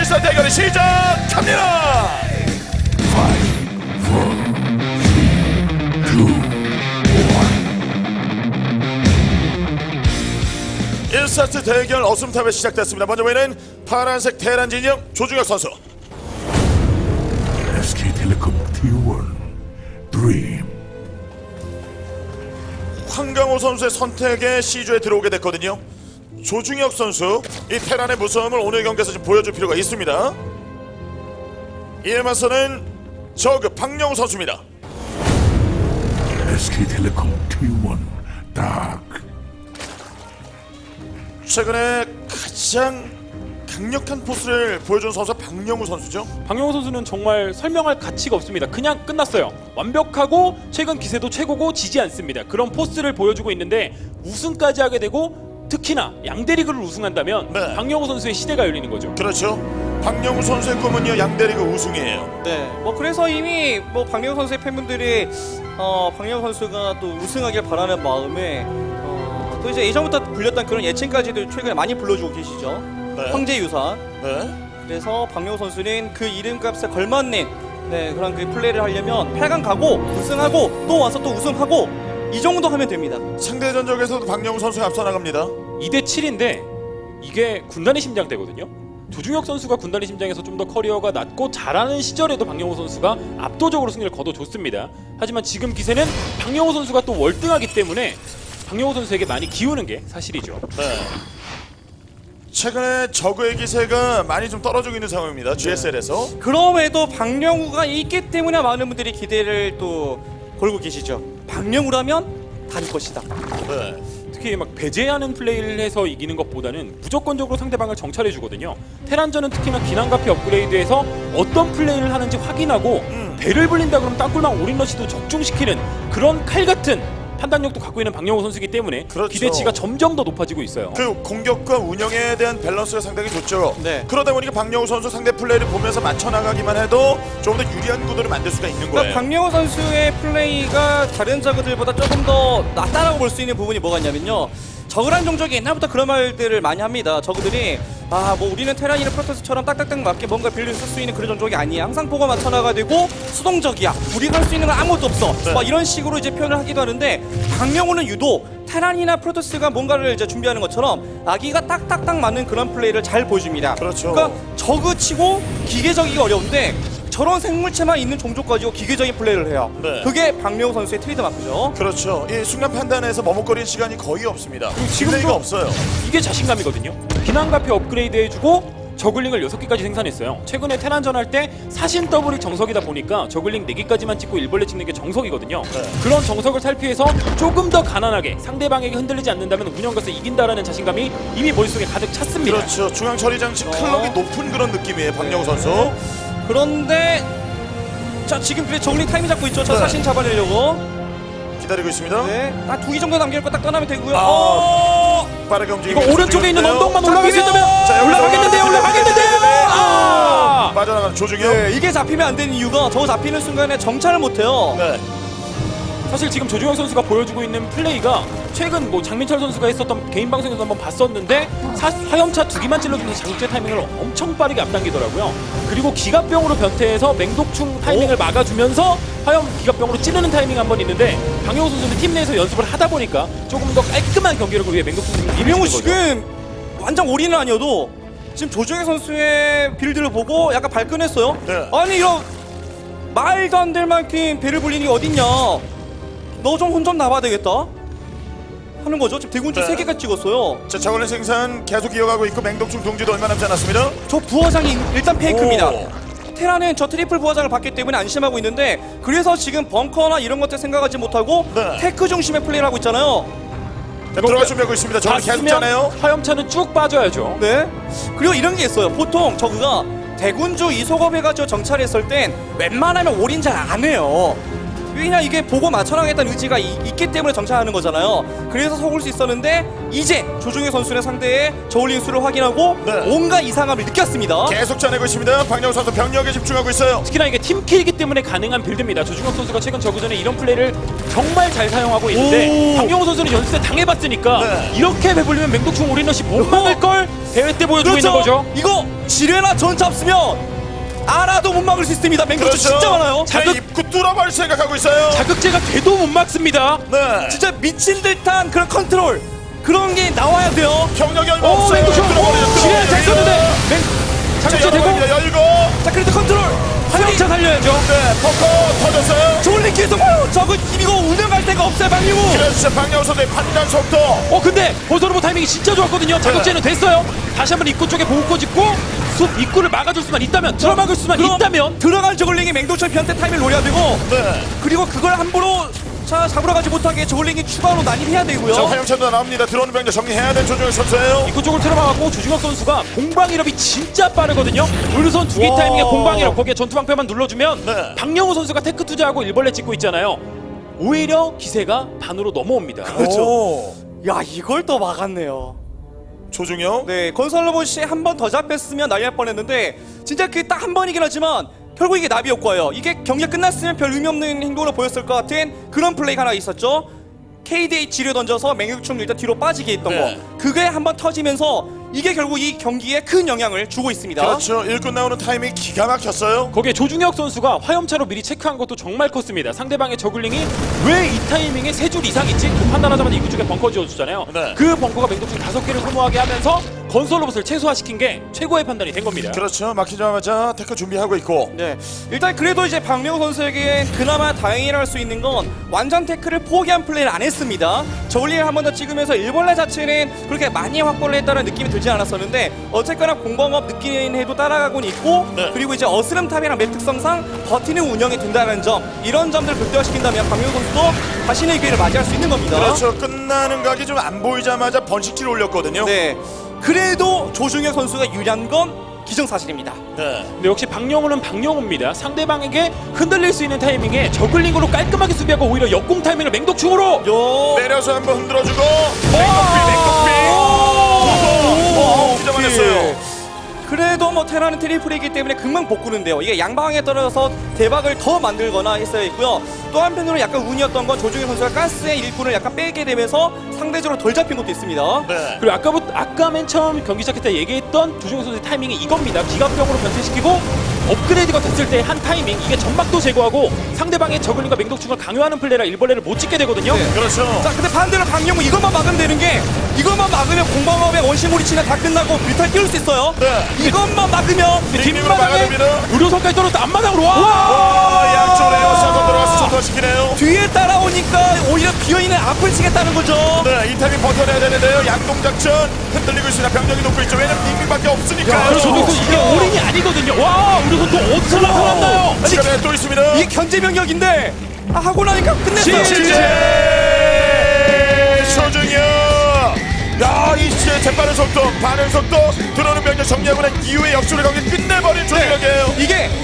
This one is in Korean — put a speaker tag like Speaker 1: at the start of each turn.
Speaker 1: 1사 대결이 시작합니다. 1사트 대결 어슴탑에 시작됐습니다. 먼저 보이는 파란색 테란 진영 조중혁 선수.
Speaker 2: SK텔레콤 T1 드림.
Speaker 1: 황강호 선수의 선택에 C조에 들어오게 됐거든요. 조중혁 선수 이 테란의 무서움을 오늘 경기에서 좀 보여줄 필요가 있습니다. 이에 맞서는 저그 박영우 선수입니다.
Speaker 2: SK텔레콤 T1 딱.
Speaker 1: 최근에 가장 강력한 포스를 보여준 선수가 박영우 선수죠.
Speaker 3: 박영호 선수는 정말 설명할 가치가 없습니다. 그냥 끝났어요. 완벽하고 최근 기세도 최고고 지지 않습니다. 그런 포스를 보여주고 있는데 우승까지 하게 되고 특히나 양대리그를 우승한다면
Speaker 1: 네.
Speaker 3: 박영호 선수의 시대가 열리는 거죠.
Speaker 1: 그렇죠. 박영우 선수의 꿈은요 양대리그 우승이에요.
Speaker 4: 네, 뭐 그래서 이미 뭐 박영호 선수의 팬분들이 박영호 선수가 또 우승하길 바라는 마음에 또 이제 예전부터 불렸던 그런 예칭까지도 최근에 많이 불러주고 계시죠.
Speaker 1: 네.
Speaker 4: 황제유사.
Speaker 1: 네.
Speaker 4: 그래서 박영호 선수는 그 이름값에 걸맞는 그런 그 플레이를 하려면 8강 가고 우승하고 또 와서 또 우승하고 이 정도 하면 됩니다.
Speaker 1: 상대 전적에서도 박영우 선수가 앞서 나갑니다.
Speaker 3: 2대 7인데 이게 군단의 심장대거든요. 조중혁 선수가 군단의 심장에서 좀 더 커리어가 낮고 잘하는 시절에도 박영호 선수가 압도적으로 승리를 거둬줬습니다. 하지만 지금 기세는 박영호 선수가 또 월등하기 때문에 박영호 선수에게 많이 기우는 게 사실이죠.
Speaker 1: 네. 최근에 저그의 기세가 많이 좀 떨어지고 있는 상황입니다. GSL에서.
Speaker 4: 그럼에도 박영우가 있기 때문에 많은 분들이 기대를 또 걸고 계시죠. 박영우라면 단 것이다.
Speaker 1: 네.
Speaker 3: 특히 막 배제하는 플레이를 해서 이기는 것보다는 무조건적으로 상대방을 정찰해 주거든요. 테란전은 특히나 기난가피 업그레이드에서 어떤 플레이를 하는지 확인하고 배를 불린다 그러면 땅굴망 올인러시도 적중시키는 그런 칼 같은 판단력도 갖고 있는 박영호 선수이기 때문에
Speaker 1: 그렇죠.
Speaker 3: 기대치가 점점 더 높아지고 있어요.
Speaker 1: 그 공격과 운영에 대한 밸런스가 상당히 좋죠.
Speaker 4: 네.
Speaker 1: 그러다 보니까 박영우 선수 상대 플레이를 보면서 맞춰 나가기만 해도 좀 더 유리한 구도를 만들 수가 있는 거예요.
Speaker 4: 그러니까 박영호 선수의 플레이가 다른 저그들보다 조금 더 낫다라고 볼 수 있는 부분이 뭐가 있냐면요. 저그란 종족이 옛날부터 그런 말들을 많이 합니다. 저그들이 뭐 우리는 테란이나 프로토스처럼 딱딱딱 맞게 뭔가 빌려 쓸 수 있는 그런 종족이 아니야. 항상 보고 맞춰나가 되고 수동적이야. 우리가 할 수 있는 건 아무것도 없어.
Speaker 1: 네.
Speaker 4: 막 이런 식으로 이제 표현을 하기도 하는데 박영호는 유독 테란이나 프로토스가 뭔가를 이제 준비하는 것처럼 아기가 딱딱딱 맞는 그런 플레이를 잘 보여줍니다.
Speaker 1: 그렇죠.
Speaker 4: 그러니까 저그치고 기계적이기 어려운데 저런 생물체만 있는 종족 가지고 기계적인 플레이를 해요.
Speaker 1: 네.
Speaker 4: 그게 박영호 선수의 트레이드마크죠.
Speaker 1: 그렇죠. 이 순간 판단에서 머뭇거리는 시간이 거의 없습니다.
Speaker 3: 지금도-
Speaker 1: 플레이가 없어요.
Speaker 3: 이게 자신감이거든요. 비난가피 업그레이드 해주고 저글링을 6개까지 생산했어요. 최근에 테란전 할 때 사신 더블이 정석이다 보니까 저글링 4개까지만 찍고 일벌레 찍는 게 정석이거든요.
Speaker 1: 네.
Speaker 3: 그런 정석을 살피해서 조금 더 가난하게 상대방에게 흔들리지 않는다면 운영가서 이긴다라는 자신감이 이미 머릿속에 가득 찼습니다.
Speaker 1: 그렇죠. 중앙 처리 장치 클럭이 높은 그런 느낌이에요. 박영우 선수.
Speaker 4: 그런데 자 지금 그래 저글링 타이밍 잡고 있죠. 저
Speaker 1: 네.
Speaker 4: 사신 잡아내려고.
Speaker 1: 기다리고 있습니다.
Speaker 4: 네. 딱 2기 정도 남겨놓고 딱 떠나면 되고요.
Speaker 1: 빠르게 움직이고
Speaker 3: 이거 오른쪽에 있는
Speaker 1: 조중혁인데요.
Speaker 3: 언덕만 올라갈 수 있다면
Speaker 1: 자,
Speaker 3: 올라가겠는데요. 올라가겠는데요. 아!
Speaker 1: 빠져나가는 조중혁.
Speaker 4: 네, 이게 잡히면 안 되는 이유가 저거 잡히는 순간에 정찰을 못해요.
Speaker 1: 네.
Speaker 3: 사실 지금 조중혁 선수가 보여주고 있는 플레이가 최근 뭐 장민철 선수가 했었던 개인 방송에서 한번 봤었는데 화염차 2기만 찔러주면서 자극제 타이밍을 엄청 빠르게 앞당기더라고요. 그리고 기갑병으로 변태해서 맹독충 타이밍을 막아주면서 화염 기갑병으로 찌르는 타이밍 한 번 있는데 박영호 선수는 팀 내에서 연습을 하다 보니까 조금 더 깔끔한 경기력을 위해 맹독충을
Speaker 4: 이명우 지금 완전 올인은 아니어도 지금 조정혜 선수의 빌드를 보고 약간 발끈했어요.
Speaker 1: 네.
Speaker 4: 아니 이런 말도 안 될 만큼 배를 불리는 게 어딨냐. 너 좀 혼 좀 나봐야 되겠다 하는 거죠. 지금 대군주
Speaker 1: 네.
Speaker 4: 3개가 찍었어요.
Speaker 1: 자, 저걸린 생산 계속 이어가고 있고 맹독충 동지도 얼마 남지 않았습니다.
Speaker 4: 저 부화장이 일단 페이크입니다.
Speaker 1: 오.
Speaker 4: 테라는 저 트리플 부화장을 받기 때문에 안심하고 있는데 그래서 지금 벙커나 이런 것들 생각하지 못하고
Speaker 1: 네.
Speaker 4: 테크 중심의 플레이를 하고 있잖아요.
Speaker 1: 자, 들어갈 준비하고 있습니다. 저걸 계속
Speaker 3: 봤으면
Speaker 1: 짜네요.
Speaker 3: 화염차는 쭉 빠져야죠.
Speaker 4: 네. 그리고 이런 게 있어요. 보통 저그가 대군주 이소겁 해가지고 정찰했을 땐 웬만하면 올인 잘 안 해요. 왜냐 이게 보고 맞춰나가겠다는 의지가 있기 때문에 정찰하는 거잖아요. 그래서 속을 수 있었는데 이제 조중혁 선수의 상대의 저울링 수를 확인하고
Speaker 1: 네.
Speaker 4: 온갖 이상함을 느꼈습니다.
Speaker 1: 계속 짜내고 있습니다. 박영호 선수 병력에 집중하고 있어요.
Speaker 3: 특히나 이게 팀킬이기 때문에 가능한 빌드입니다. 조중혁 선수가 최근 저그전에 이런 플레이를 정말 잘 사용하고 있는데
Speaker 4: 오.
Speaker 3: 박영호 선수는 연습 때 당해봤으니까
Speaker 1: 네.
Speaker 3: 이렇게 해버리면 맹독충 올인러시 못 막을 걸 대회 때 보여주고 있는 거죠.
Speaker 4: 이거 지뢰나 전차 없으면 알아도 못 막을 수 있습니다. 맹독충 진짜 많아요.
Speaker 1: 자극 입구 뚫어버릴 생각하고 있어요.
Speaker 3: 자극제가 돼도 못 막습니다.
Speaker 1: 네.
Speaker 4: 진짜 미친 듯한 그런 컨트롤 그런 게 나와야 돼요.
Speaker 1: 경력이 얼마
Speaker 3: 오,
Speaker 1: 없어요.
Speaker 3: 맹독충 지뢰 잘 썼는데 자극제 되고
Speaker 1: 열고.
Speaker 4: 자 그래도 컨트롤
Speaker 3: 화염차 살려야죠.
Speaker 1: 네. 퍼커 터졌어요.
Speaker 4: 저울링 계속 저거 이거 운영할 데가 없어요. 박민우.
Speaker 1: 그래서 박영호 선수의 판단 속도.
Speaker 3: 근데 버서로버 타이밍이 진짜 좋았거든요. 자극제는 됐어요. 다시 한번 입구 쪽에 보호코 짓고 숲 입구를 막아줄 수만 있다면 들어막을 수만 있다면
Speaker 4: 들어간 저글링이 맹독충 변태 타임을 노려야 되고
Speaker 1: 네.
Speaker 4: 그리고 그걸 함부로 자 잡으러 가지 못하게 저글링이 추가로 난입해야 되고요.
Speaker 1: 자, 화영찬도 나옵니다. 들어오는 병력 정리해야 되는 조정혁 선수예요.
Speaker 3: 입구 쪽을 틀어막았고 조중혁 선수가 공방이럽이 진짜 빠르거든요. 우르선 두 개
Speaker 1: 와.
Speaker 3: 타이밍에 공방이럽 거기에 전투방패만 눌러주면
Speaker 1: 네.
Speaker 3: 박영호 선수가 테크 투자하고 일벌레 찍고 있잖아요. 오히려 기세가 반으로 넘어옵니다.
Speaker 1: 그렇죠.
Speaker 4: 야 이걸 또 막았네요.
Speaker 1: 조중혁.
Speaker 4: 네 건설 로봇이 한 번 더 잡혔으면 난리 날 뻔했는데 진짜 그 딱 한 번이긴 하지만 결국 이게 나비 효과예요. 이게 경기가 끝났으면 별 의미 없는 행동으로 보였을 것 같은 그런 플레이가 하나 있었죠. KDA 지뢰 던져서 맹육충 일단 뒤로 빠지게 했던
Speaker 1: 네.
Speaker 4: 거 그게 한 번 터지면서 이게 결국 이 경기에 큰 영향을 주고 있습니다.
Speaker 1: 그렇죠. 일꾼 나오는 타이밍이 기가 막혔어요.
Speaker 3: 거기에 조중혁 선수가 화염차로 미리 체크한 것도 정말 컸습니다. 상대방의 저글링이 왜 이 타이밍에 3줄 이상 있지? 그 판단하자마자 입구 쪽에 벙커 지어주잖아요.
Speaker 1: 네.
Speaker 3: 그 벙커가 맹독충 5개를 소모하게 하면서 건설 로봇을 최소화시킨 게 최고의 판단이 된 겁니다.
Speaker 1: 그렇죠. 막히자마자 태클 준비하고 있고.
Speaker 4: 네, 일단 그래도 이제 박명호 선수에게 그나마 다행이라 할 수 있는 건 완전 태클을 포기한 플레이를 안 했습니다. 저울링을 한 번 더 찍으면서 일벌레 자체는 그렇게 많이 확보를 했다는 느낌이 들지 않았었는데 어쨌거나 공방업 느끼는 해도 따라가고는 있고
Speaker 1: 네.
Speaker 4: 그리고 이제 어스름탑이랑 맵 특성상 버티는 운영이 된다는 점 이런 점들을 극대화시킨다면 박명호 선수도 자신의 기회를 맞이할 수 있는 겁니다.
Speaker 1: 그렇죠. 끝나는 각이 좀 안 보이자마자 번식질 올렸거든요.
Speaker 4: 네, 그래도 조중혁 선수가 유리한 건 기정사실입니다.
Speaker 1: 네.
Speaker 3: 근데 역시 박영호는 박영호입니다. 상대방에게 흔들릴 수 있는 타이밍에 저글링으로 깔끔하게 수비하고 오히려 역공 타이밍을 맹독충으로
Speaker 1: 내려서 한번 흔들어주고. 기자만했어요.
Speaker 4: 그래도 뭐 테라는 트리플이기 때문에 금방 복구는데요. 이게 양방향에 떨어져서 대박을 더 만들거나 했어야 했고요. 또 한편으로 약간 운이었던 건 조중혁 선수가 가스의 일꾼을 약간 빼게 되면서 상대적으로 덜 잡힌 것도 있습니다.
Speaker 1: 네.
Speaker 3: 그리고 아까 맨 처음 경기 시작할 때 얘기했던 조중혁 선수의 타이밍이 이겁니다. 기갑병으로 변태시키고 업그레이드가 됐을 때 한 타이밍 이게 점막도 제거하고 상대방의 저글링과 맹독충을 강요하는 플레이라 일벌레를 못 찍게 되거든요.
Speaker 4: 네.
Speaker 1: 그렇죠.
Speaker 4: 자, 근데 반대로 박영호 이것만 막으면 되는 게 이것만 막으면 공방업의 원시몰이치나 다 끝나고 뮤탈 띄울 수 있어요.
Speaker 1: 네.
Speaker 4: 이것만 막으면
Speaker 1: 빅빅으로 막아야 됩니다.
Speaker 3: 의료선까지 떨어졌다 앞마당으로 와!
Speaker 1: 와, 양쪽으로 에어샷도 들어가서 초토화시키네요.
Speaker 4: 뒤에 따라오니까 오히려 비어있는 앞을 치겠다는 거죠.
Speaker 1: 네, 이 타이밍 버텨내야 되는데요. 양동작전 흔들리고 있습니다. 병력이 높고 있죠. 왜냐면 빅빅밖에 없으니까요.
Speaker 3: 그리고 조중혁 선수 이게 올인이 아니거든요. 와! 의료선 또 어디서 나타났나요?
Speaker 1: 시간에 또 있습니다.
Speaker 4: 이게 견제 병력인데 하고 나니까 끝냈어요.
Speaker 1: 조중혁. 야, 이 시의 재빠른 속도, 반응 속도, 들어오는 병력 정리하고 난 이후에 역수를 경기 끝내버린 조중혁이에요.
Speaker 4: 이게